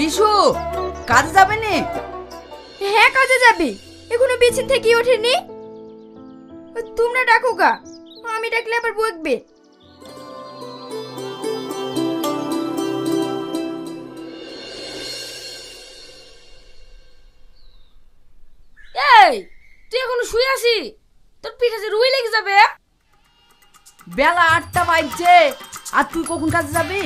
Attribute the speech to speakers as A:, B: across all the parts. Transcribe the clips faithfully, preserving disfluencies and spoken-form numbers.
A: বিশু, কাজে যাবে নি?
B: হ্যাঁ কাজে যাবে, এখনো বিছান থেকে ওঠেনি। তোমরা ডাকো গা, আমি ডাকলে আবার বকবে।
C: এই তুই এখনো শুয়ে আছি? তোর পিঠে যে রুই লেগে যাবে।
A: বেলা আটটা বাজছে, আর তুই কখন কাজে যাবি?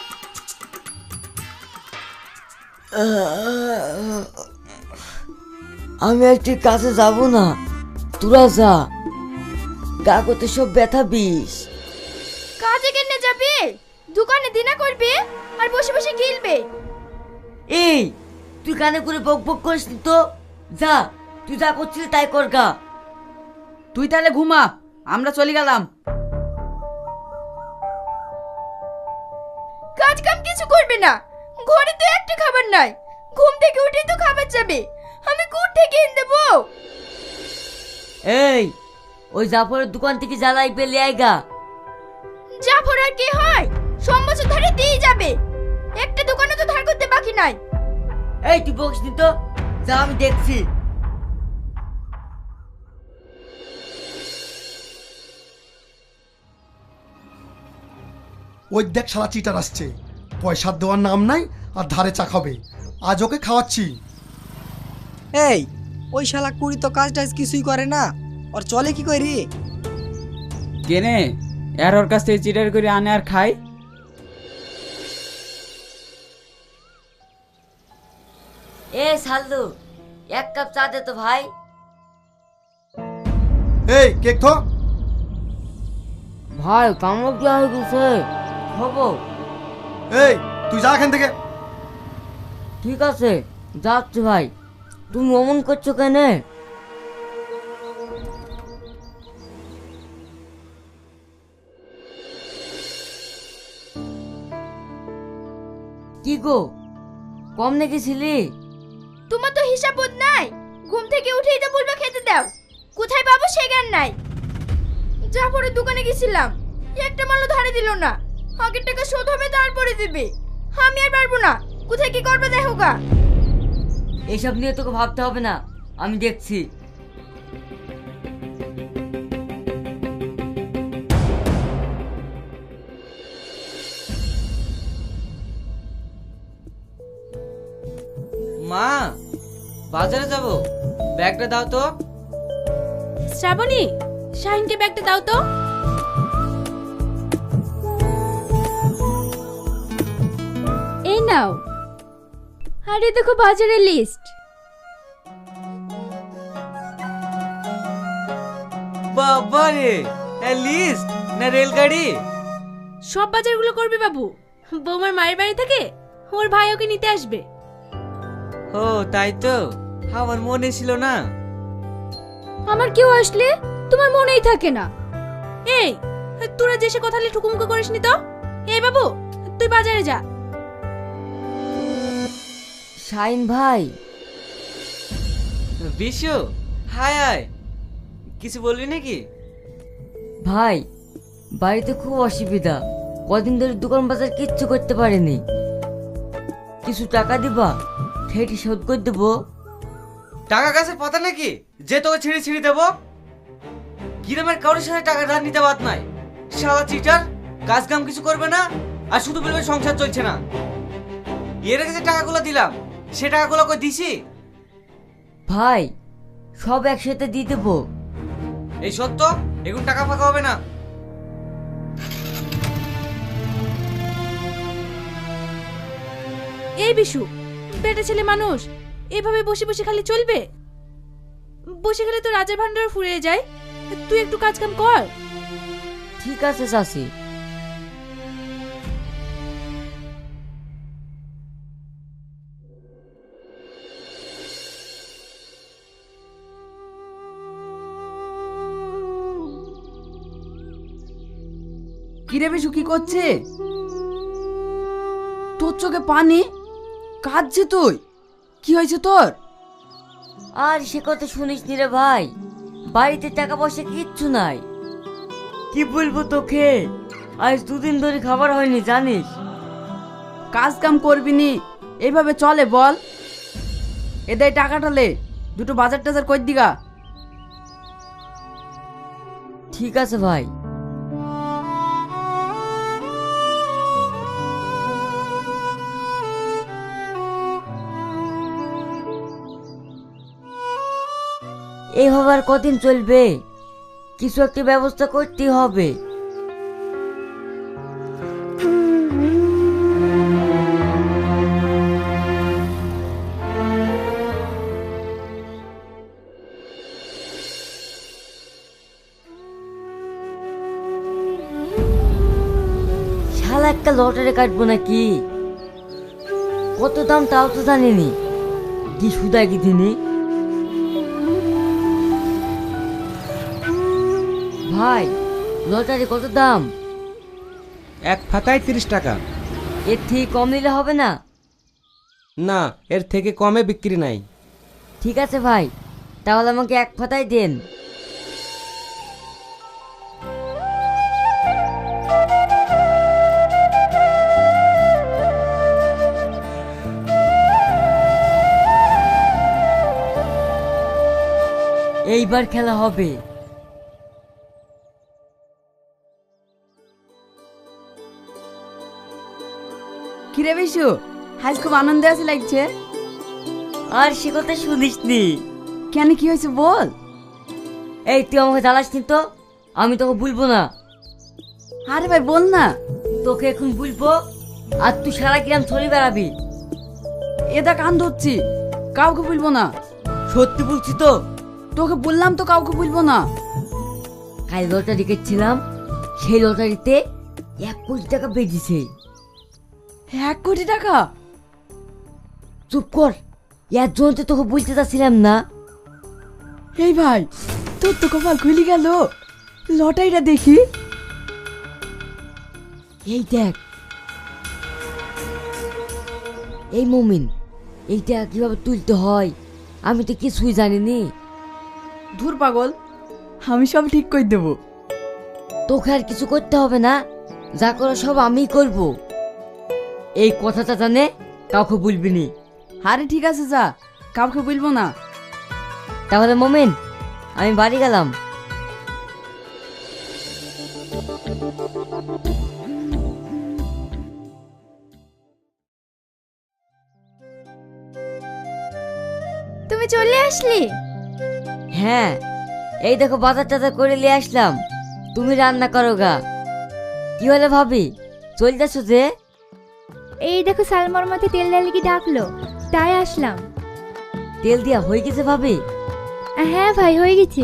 D: আমি একটি কাজে যাব না, তোরা যা। কাগজে সব ব্যথা বিষ।
B: কাজে কেনে যাবে? দোকানে দিনা করবে আর বসে বসে গিলবে।
D: এই তুই কানে করে বক বক করিস নি তো। যা, তুই যা করছিলি তাই কর গা।
A: তুই তাহলে ঘুমা, আমরা চলে গেলাম।
B: কাজ কাম কিছু করবে না, ঘরে তো একটা খাবার নাই। ঘুম থেকে উঠেই তো খাবার যাবে, আমি কোথা থেকে এনে দেবো?
D: এই ওই জাফরের দোকান থেকে জ্বালাই পেলে আইগা।
B: জাফর আর কি হয়, সব বছর ধরে দিয়ে যাবে। একটা দোকানে তো ধার করতে বাকি নাই।
D: এই তুই বকিস নি তো, যা আমি দেখছি।
E: ওই দেখ শালা চিটার আসছে, পয়সা দেওয়ার নাম নাই আর ধারে চা খাবে। আজ ওকে খাওয়াচ্ছি।
F: এই ওই শালা কুড়ি তো কাজ টাজ কিছুই করে না, ওর চলে কি করি?
G: কেনে এর ওর কাছ থেকে চিটার করে আনে আর খাই।
D: এ সাল্লু, এক কাপ চা দে তো ভাই।
E: এই কেক থো।
D: ভাই কামড় কি হয়ে গেছে, হবো?
E: এই তুই যা এখান থেকে।
D: ঠিক আছে যাচ্ছি ভাই। তুমি অমন করছো কেন? কি গো, কম নেগেছিলি?
B: তোমার তো হিসাব বোধ নাই। ঘুম থেকে উঠেই তো বলবে খেতে দাও, কোথায় পাবো সে জ্ঞান নাই। জাফরের দোকানে গেছিলাম, একটা মালও ধারে দিল না। আগের টাকা শোধ হবে তারপরে দিবে। আমি আর পারবো না, কোথায় কি করবে দেখো গা।
D: এইসব নিয়ে তোকে ভাবতে হবে না, আমি দেখছি।
G: মা, বাজারে যাব, ব্যাগটা দাও তো।
B: শ্রাবণী, শাহিনকে ব্যাগটা দাও তো। এই নাও। আরে দেখো বাজারের লিস্ট।
G: বাবা রে, লিস্ট না রেলগাড়ি?
B: সব বাজারগুলো করবে বাবু। বৌমার মায়ের বাড়ি থেকে ওর ভাই ওকে নিতে আসবে।
G: ও তাই তো, আমার মনে ছিল না।
B: আমার কেউ আসলে তোমার মনেই থাকে না। এই তোরা যে সে কথা ঠুকুমুকু করিসনি তো। এই বাবু, তুই বাজারে যা।
D: শাইন ভাই।
G: বিশু, হাই হাই, কিছু বলবি নাকি?
D: ভাই বাড়িতে খুব অসুবিধা, কদিন ধরে দোকান বাজার কিচ্ছু করতে পারিনি। কিছু টাকা দিবা, ঠেটি শোধ করে দেবো।
G: টাকা কাছে পাতা নাকি যে তোকে ছিঁড়ে ছিঁড়ে দেবো? গ্রামের কারোর সাথে টাকা ধার নিতে বাদ নাই। শালা চিটার, কাজ কাম কিছু করবে না আর শুধু বলবে সংসার চলছে না। এর আগে যে টাকাগুলো দিলাম সে টাকাগুলো কই দিছি?
D: ভাই সব একসাথে দিয়ে দেবো।
G: এই সত্য, এখন টাকা ফাঁকা হবে না।
B: এই বিশু, বেটা ছেলে মানুষ, এভাবে বসে বসে খালি চলবে? বসে গেলে তো রাজার ভান্ডার ফুরিয়ে যায়। তুই একটু কাজ কাম কর।
D: ঠিক আছে চাচি।
A: কিরে বিশু, কি করছে? তোর চোখে পানি, কাঁদছে তুই? কি হয়েছে তোর?
D: আর সে কথা শুনিস নি রে ভাই, বাড়িতে টাকা পয়সা কিচ্ছু নাই। কি বলবো তোকে, আজ দুদিন ধরে খাবার হয়নি জানিস।
A: কাজ কাম করবি নি, এইভাবে চলে বল? এদের টাকাটা লে, দুটো বাজার টাজার কই দিগা।
D: ঠিক আছে ভাই। এইভাবে আর কদিন চলবে? কিছু একটা ব্যবস্থা করতেই হবে। শালা একটা লটারি কাটবো নাকি? কত দাম তাও তো জানিনি। কি সুদা কি দিনে। ভাই, লটারি কত দাম?
H: এক ফাতায় তিরিশ টাকা।
D: এর থেকে কম নিলে হবে না?
H: না, এর থেকে কমে বিক্রি নাই।
D: ঠিক আছে ভাই, তাহলে আমাকে এক ফাতায় দেন। এইবার খেলা হবে।
A: কিরে বিশু, আজ খুব আনন্দে আছে লাগছে।
D: আর সে কথা শুনিসনি?
A: কেন, কি হয়েছে বল?
D: এই তুই আমাকে জ্বালাসনি তো, আমি তোকে বলবো না।
A: আরে ভাই বল না।
D: তোকে এখন বলবো আর তুই সারা গ্রাম ছড়ি বেড়াবি।
A: এটা কান ধরছি, কাউকে বলবো না।
D: সত্যি বলছি তো।
A: তোকে বললাম তো কাউকে বলবো না।
D: কাল লটারি কেটেছিলাম, সেই লটারিতে এক কোটি টাকা বেরিয়েছে।
A: এক কোটি টাকা?
D: চুপ কর, এর জন্য তো তোকে বলতে চাচ্ছিলাম না।
A: এই ভাই, তোর তো কপাল খুলে গেল। লটারিটা দেখি।
D: এই দেখ। এই মমিন, এইটা কিভাবে তুলতে হয় আমি তো কিছুই জানিনি।
A: ধুর পাগল, আমি সব ঠিক করে দেবো।
D: তোকে আর কিছু করতে হবে না, যা করো সব আমিই করব। এই কথাটা জানে কাউকে বলবি নি।
A: আরে ঠিক আছে, যা, কাউকে বলবো না।
D: তাহলে মোমেন, আমি বাড়ি গেলাম।
B: তুমি চলে আসলি?
D: হ্যাঁ, এই দেখো বাজার টাজার করে নিয়ে আসলাম। তুমি রান্না করো গা। কি হলো ভাবি, চল যাচ্ছ যে?
B: এই দেখো সালমার মাথায় তেল ঢালি কি ডাকলো, তাই আসলাম।
D: তেল দিয়া হয়ে গেছে ভাবি?
B: হ্যাঁ ভাই, হয়ে গেছে।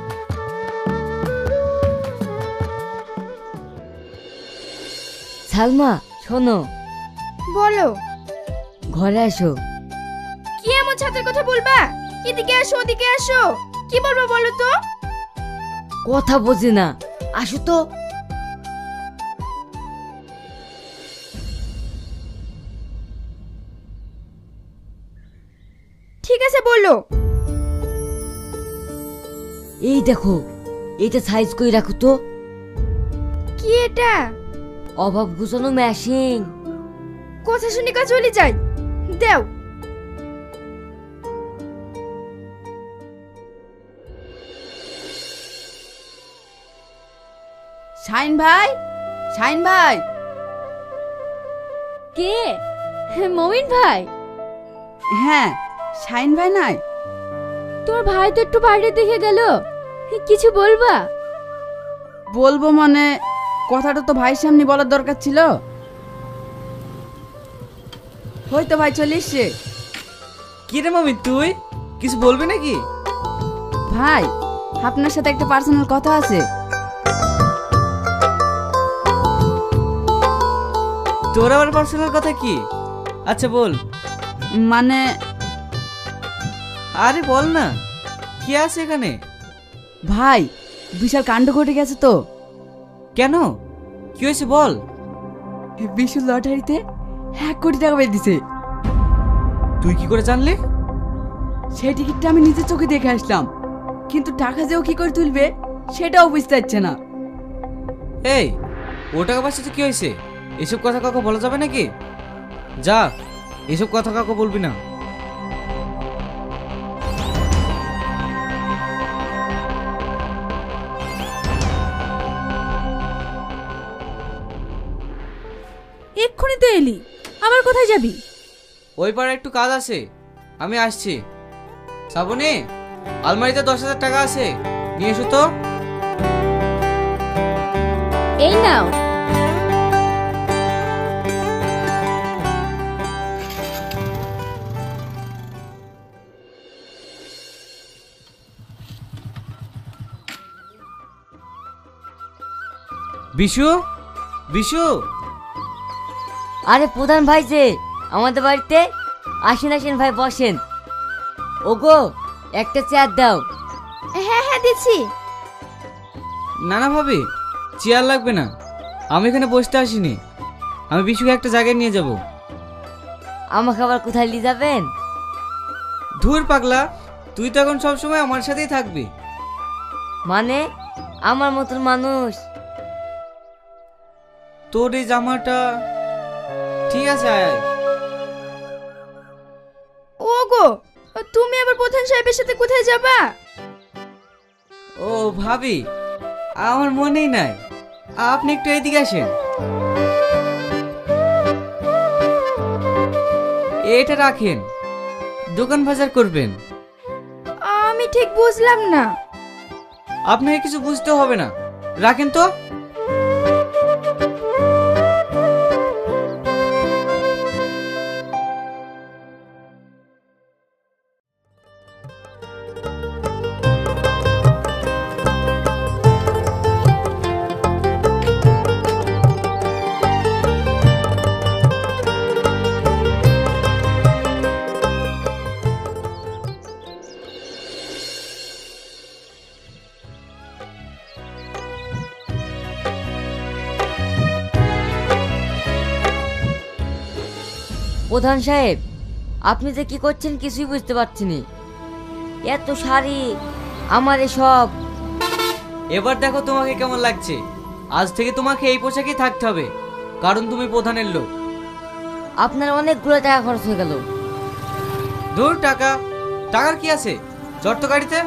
D: সালমা শোনো।
B: বলো।
D: ঘরে আসো।
B: কি এমন ছাতের কথা বলবা? এদিকে আসো, ওদিকে আসো। কি বলবো বলো তো?
D: কথা বোঝে না, আসো তো।
B: ঠিক আছে বলো।
D: এই দেখো, এটা সাইজ করে রাখো তো।
B: কি এটা?
D: অভাব ঘুচানো মেশিন।
B: কথা শুনি কা চলে যাই, দেও।
A: শাইন ভাই, শাইন ভাই।
B: কে? মমিন ভাই?
A: হ্যাঁ, শাইন ভাই নাই?
B: তোর ভাই তো একটু বাইরে দেখে গেল, কিছু বলবা?
A: বলবো মানে, কথাটা তো ভাইয়ের সামনে বলার দরকার ছিল। হয়তো ভাই চলে এসছে।
G: কি রে মামি, তুই কিছু বলবি নাকি?
A: ভাই, আপনার সাথে একটা পার্সোনাল কথা আছে।
G: তোর আবার পার্সোনাল কথা কি? আচ্ছা বল।
A: মানে,
G: আরে বল না, কি আছে এখানে?
A: ভাই, বিশাল কাণ্ড ঘটে গেছে তো।
G: কেন, কি হয়েছে বল।
A: বিশু লটারিতে এক কোটি টাকা পেয়ে দিছে।
G: তুই কি করে জানলি?
A: সেই টিকিটটা আমি নিজের চোখে দেখে আসলাম, কিন্তু টাকা যেও কি করে তুলবে সেটাও বুঝতে পারছে না।
G: এই, ও টাকা পয়সাতে কি হয়েছে? এসব কথা কাউকে বলা যাবে নাকি? যা, এসব কথা কাউকে বলবি না।
C: এক্ষুনি তো এলি, আবার কোথায় যাবি?
G: ওই পাড়ে একটু কাজ আছে, আমি আসছি। শ্রাবণী, আলমারিতে দশ হাজার টাকা আছে, নিয়ে এসো তো।
C: এই নাও।
G: বিশু, বিশু।
D: আরে প্রধান ভাই যে আমাদের বাড়িতে, আসেন আসেন ভাই বসেন। ওগো একটা চেয়ার দাও।
B: হ্যাঁ হ্যাঁ দিচ্ছি।
G: না না ভাবি, চেয়ার লাগবে না, আমি এখানে বসতে আসিনি। আমি বিশুকে একটা জায়গায় নিয়ে যাব।
D: আমাকে আবার কোথায় নিয়ে যাবেন?
G: ধুর পাগলা, তুই তো এখন সবসময় আমার সাথেই থাকবি।
D: মানে আমার মতন মানুষ।
G: তোর এই জামাটা ঠিক আছে, আয় আয়।
B: ওগো, তুমি আবার প্রধান সাহেবের সাথে কোথায় যাবা?
G: ও ভাবি, আমার মনেই নাই, আপনি একটু এদিকে আসেন। এটা রাখেন, দোকান বাজার করবেন।
B: আমি ঠিক বুঝলাম না।
G: আপনাকে কিছু বুঝতে হবে না, রাখেন তো।
D: প্রধান সাহেব, আপনি যে কি করছেন কিছুই বুঝতে পারছি না। এত শাড়ি, আমার এসব।
G: এবার দেখো তোমাকে কেমন লাগছে। আজ থেকে তোমাকে এই পোশাকেই থাকতে হবে, কারণ তুমি প্রধানের লোক।
D: আপনার অনেকগুলো টাকা খরচ হয়ে গেল।
G: ধুর টাকা, টাকার কি আছে, চট তো গাড়িতে।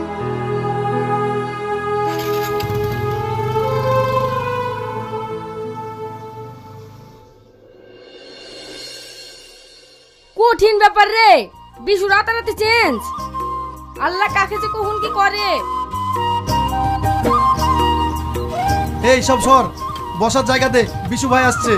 C: কঠিন ব্যাপার রে, বিশু রাতারাতি চেঞ্জ। আল্লাহ কাকে যে কখন কি করে।
E: এই সব সর, বসার জায়গা দে, বিশু ভাই আসছে।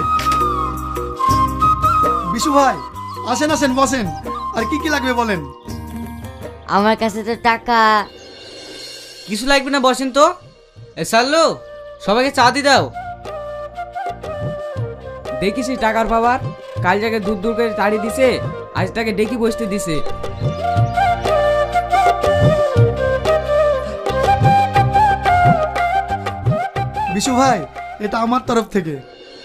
E: বিশু ভাই আসেন আসেন বসেন। আর কি কি লাগবে বলেন?
D: আমার কাছে তো টাকা।
G: কিছু লাগবে না, বসেন তো। এ সাল্লু, সবাইকে চা দি দাও।
H: দেখিস এই টাকার পাওয়ার, কাল জায়গায় দূর দূর করে তাড়ি দিছে, আজ তাকে ডেকে বসতে দিছে।
E: বিশু ভাই, এটা আমার তরফ থেকে।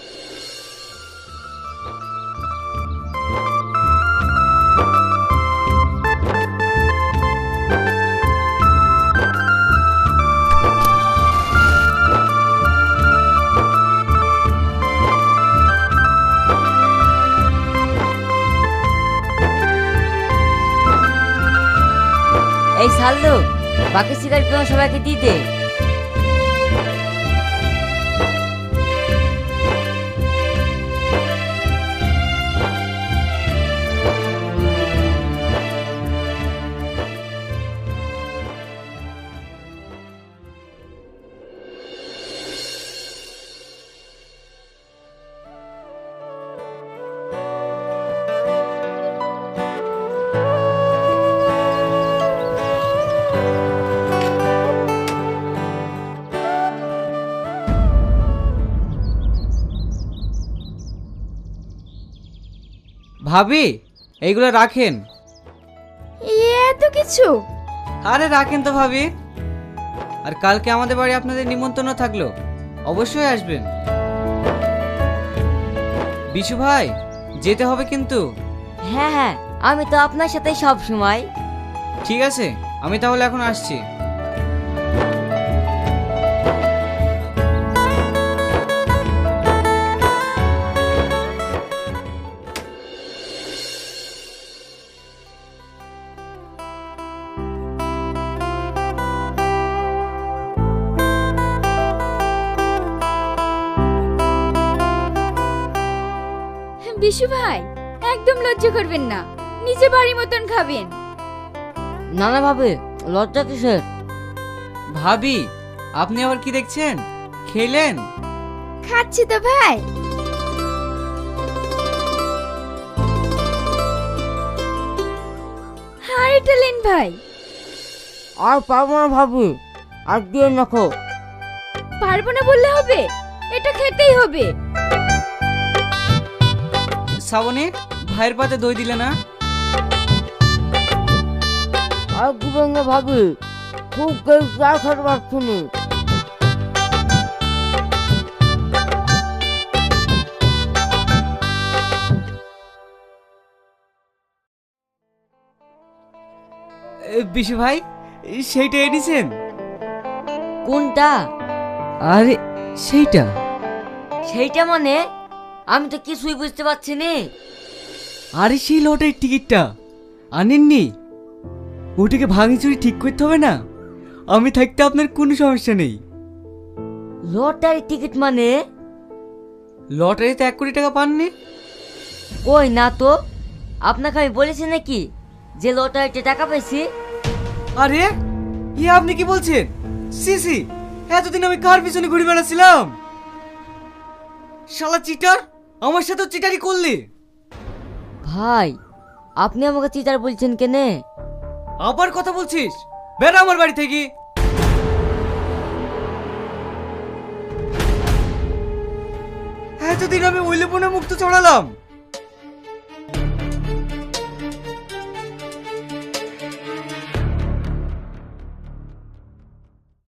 D: এই সাল্লু, বাকি সিগারেট তোমার সবাইকে দিয়ে দে।
G: ভাবি, এইগুলো রাখেন।
B: এত কিছু?
G: আরে রাখেন তো ভাবি। আর কালকে আমাদের বাড়ি আপনাদের নিমন্ত্রণ থাকলো, অবশ্যই আসবেন। বিশু ভাই, যেতে হবে কিন্তু।
D: হ্যাঁ হ্যাঁ, আমি তো আপনার সাথে সব সময়।
G: ঠিক আছে, আমি তাহলে এখন আসছি।
B: বিশু ভাই একদম লজ্জা করবেন না, নিজে বাড়ি মতন খাবেন।
D: না না ভাবে, লজ্জা কিসের?
H: ভাবি আপনি আবার কি দেখছেন, খেলেন?
B: খাচ্ছি তো ভাই। আরে টালেন ভাই,
D: আর পারবো না ভাবি, আর দিয়ে রাখো।
B: পারবো না বললে হবে, এটা খেতেই হবে।
H: শ্রাবণী, ভাইয়ের পাতে দই দিলে না?
D: আর দিবেন না ভাবি, খুব কেউ চা খেতে পারছি না।
H: এ, বিশু ভাই সেইটা এনেছেন?
D: কোনটা?
H: আরে সেইটা।
D: সেইটা মানে আমি তো কিছুই বুঝতে পারছি না।
H: আরে সেই লটারির টিকিটটা আনেননি? ওটাকে ভাঙি চুরি ঠিক করতে হবে না? আমি থাকতে আপনার কোনো সমস্যা নেই।
D: লটারি টিকিট মানে?
H: লটারিতে এক কোটি টাকা পাননি?
D: কই না তো, আপনাকে আমি বলেছি নাকি যে লটারিতে টাকা পেয়েছি?
H: আরে ই আপনি কি বলছেন? সি সি, এতদিন আমি কার পিছনে ঘুরে বেড়াচ্ছিলাম? শালা চিটার, আমার সাথে চিটারি করলি?
D: ভাই আপনি আমাকে চিটার বলছেন কেনে?
H: আবার কথা বলছিস? বের আমার বাড়ি থেকে। এতদিন আমি ওইলে মুক্ত চড়ালাম,